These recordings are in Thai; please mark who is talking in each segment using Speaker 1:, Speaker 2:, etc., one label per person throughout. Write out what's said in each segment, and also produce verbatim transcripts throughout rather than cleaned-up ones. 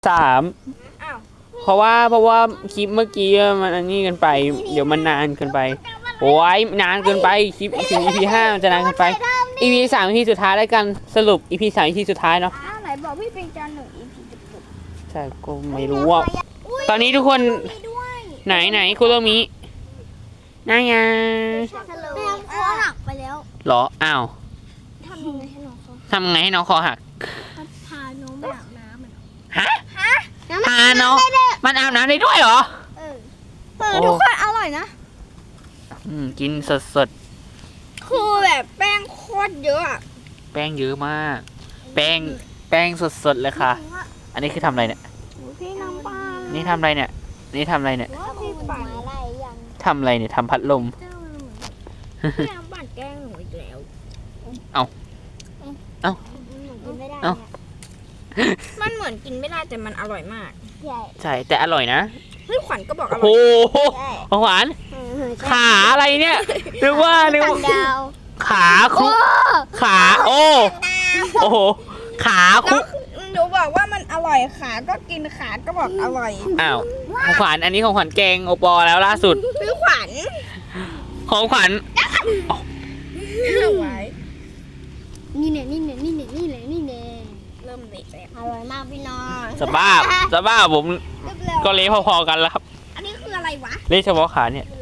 Speaker 1: สามเพราะว่าเพราะว่าคลิปเมื่อกี้มันอันนี้กันไปเดี๋ยวมันนานเกินไปโอ้ยนานเกินไปคลิปถึง อี พี ห้ามันจะนานเกินไป อี พี สาม อี พี สุดท้ายแล้วกันสรุป อี พี สาม อี พี สุดท้ายเนาะ
Speaker 2: ไหนบอกพี่เป็นจานหนึ่ง อี พี จบ
Speaker 1: ใช่ก็ไม่รู้ว่าตอนนี้ทุกคนไหนไหนคุณโรมินายา
Speaker 2: แม่คอหักไปแล้ว
Speaker 1: หรออ้าว
Speaker 2: ทำยังไงให้น้องคอ
Speaker 1: ทำไงให้น้องคอหัก
Speaker 2: พาน้องไปอาบน้ำ
Speaker 1: ฮะพาน้องมันอาบน้ำได้ด้วยเหรอ
Speaker 2: เออเออทุกคนอร่อยนะ
Speaker 1: อืมกินสดสด
Speaker 2: คือแบบแป้งโคตรเยอะ
Speaker 1: แป้งเยอะมากแป้งแป้งสดสดเลยค่ะอันนี้คือทำอะไรเนี่ย
Speaker 2: พี่น้ำปลา
Speaker 1: นี่ทำอะไรเนี่ยนี่ทำอะไรเนี่ย
Speaker 2: พี่ปั่นอะไรยัง
Speaker 1: ทำอะไรเนี่ยทำพัดลม
Speaker 2: พี่น้ำปั่นแกล้งหนูอีกแล้ว
Speaker 1: เอาเอา
Speaker 2: กินไม่ได้มันเหมือนกินไม่ได้แต่มันอร่อยมาก
Speaker 1: ใช่แต่อร่อยนะ
Speaker 2: เฮ้ยขวัญก็บอกอร่อย
Speaker 1: โอ้โหขวัญขาอะไรเนี่ยนึกว่านึกว่าขาคุขาโอ้โอ้โหขาคุ
Speaker 2: หนูบอกว่ามันอร่อยขาก็กินขาก็บอกอร่อย
Speaker 1: อ้าวของขวัญอันนี้ของขวัญแกงโอปอแล้วล่าสุด
Speaker 2: คือขวัญ
Speaker 1: ของขวัญ
Speaker 2: เอาไว้นี่เนี่ยนี่เนี่ยนี่เนี่ยนี่เนี่ยนี่เนี่ยเริ่มเละแล้วอร่อยมากพี่น้อง
Speaker 1: สบ้าสบ้าผมก็เละพอๆกันแล้วครับ
Speaker 2: อันนี้คืออะไรวะ
Speaker 1: เละเฉพาะขาเนี่ย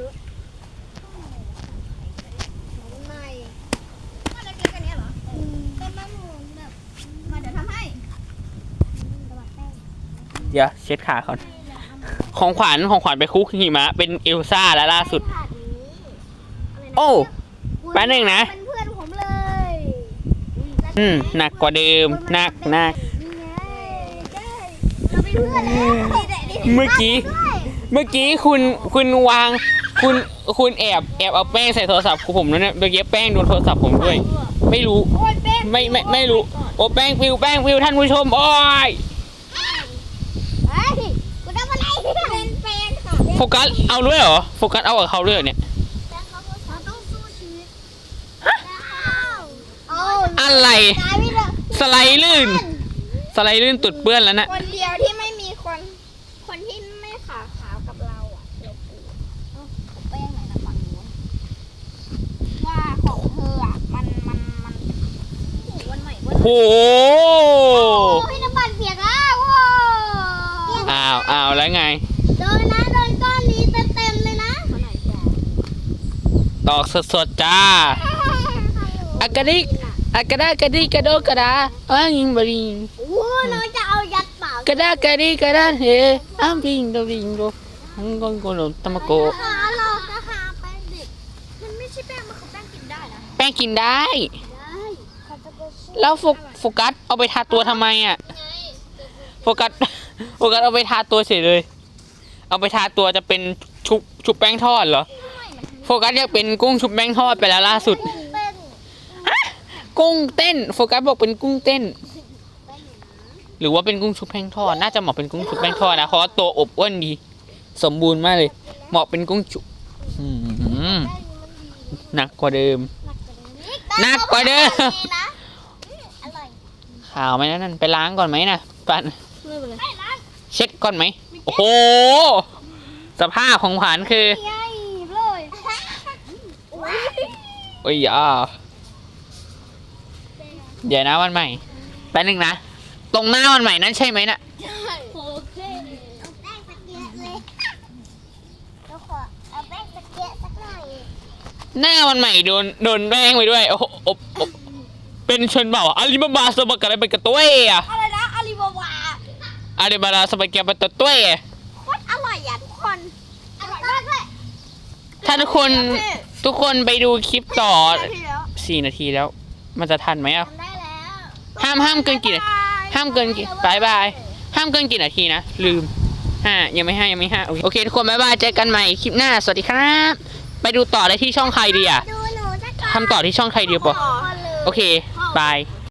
Speaker 1: เดี๋ยวเช็ดขาก่อนของขวัญของขวัญไปคุกหิมะเป็นเอลซ่าแล้วล่าสุดโอ้แป๊บนึงนะ
Speaker 2: เป็นเพื่อนผมเลย
Speaker 1: อืมหนักกว่าเดิมหนักหนักเมื่อกี้เมื่อกี้คุณคุณวางคุณคุณแอบแอบเอาแป้งใส่โทรศัพท์ผมนั่นนะเมื่อกี้แป้งโดนโทรศัพท์ผมด้วยไม่รู้ไม่ไม่ไม่รู้โอ้แป้งฟิวแป้งฟิวท่านผู้ชมโอ้ยโฟกัสเอาด้วยเหรอโฟกัสเอากับเขาด้วยเนี่ยอะไรสไลด์ลื่นสไลด์ลื่นตุดเปื้อนแล้วนะ
Speaker 2: คนเดียวที่ไม่มีคนคนที่ไม่ขาขาวกับเราอ่ะเดี๋ยวกูแป้งไหนนะฝั่งนู้นว่าของเธออ่ะมันมันมันวันใหม่วัน
Speaker 1: โอ้
Speaker 2: พี่น้ำปั่นเปียกแล้ว
Speaker 1: อ้าวอ้าวแล้วไง
Speaker 2: โดนนะโดนก้อนนี้เต็มเต็มเลยนะ
Speaker 1: ตอกสดๆจ้าอากาดิกอากาดากาดิกระโดกระดาอ้ายิงบริง
Speaker 2: โอ้เราจะเอายัดเปล่าก
Speaker 1: ระดากระดิกระดาเฮอ้าบิงโดบิงโดฮังกงโกโนตะมะโก
Speaker 2: เราจะหาแป้งดิบมันไม่ใช่แป้งมันคือแป้งกินได้นะ
Speaker 1: แป้งกินได้แล้วโฟกัสเอาไปทาตัวทำไมอ่ะโฟกัสโฟกัสเอาไปทาตัวเฉยเลยเอาไปทาตัวจะเป็นชุบชุบแป้งทอดเหรอโฟกัสอยากเป็นกุ้งชุบแป้งทอดไปแล้วล่าสุดกุ้งเต้นโฟกัสบอกเป็นกุ้งเต้นหรือว่าเป็นกุ้งชุบแป้งทอดน่าจะเหมาะเป็นกุ้งชุบแป้งทอดนะเพราะว่าตัวอบอ้วนดีสมบูรณ์มากเลยเหมาะเป็นกุ้งชุบหนักกว่าเดิมหนักกว่าเดิมข่าวไหมนั่นไปล้างก่อนไหมนะปันเช็ดก่อนไหมโอ้โหสภาพของขวัญคือโอ้ยอ่ะเดี๋ยวนะวันใหม่แป๊บนึงนะตรงหน้าวันใหม่นั้นใช่ไหมน่ะหน้าวันใหม่โดนโดนแป้งไปด้วยโอ้โหเป็นชนเผ่าอาลีบาบาสบักอะไรเป็นกระตุ้ยอะ
Speaker 2: อะไรนะอาลีบาบา
Speaker 1: อาลีบาบาสบักเป็นกระตุ้ย
Speaker 2: โคตรอร่อยอ่ะทุกคนอร่อยมากเลย
Speaker 1: ถ้าทุกคนทุกคนไปดูคลิปต่อสี่นาทีแล้วมันจะทันไหมอ่ะห้ามห้ามเกินกี่ห้ามเกินกี่บายบายห้ามเกินกี่นาทีนะลืมห้ายังไม่ห้ายังไม่ห้าโอเคทุกคนบายบายเจอกันใหม่คลิปหน้าสวัสดีครับไปดูต่อได้ที่ช่องใครดีอ่ะทำต่อที่ช่องใครดีปะโอเคบาย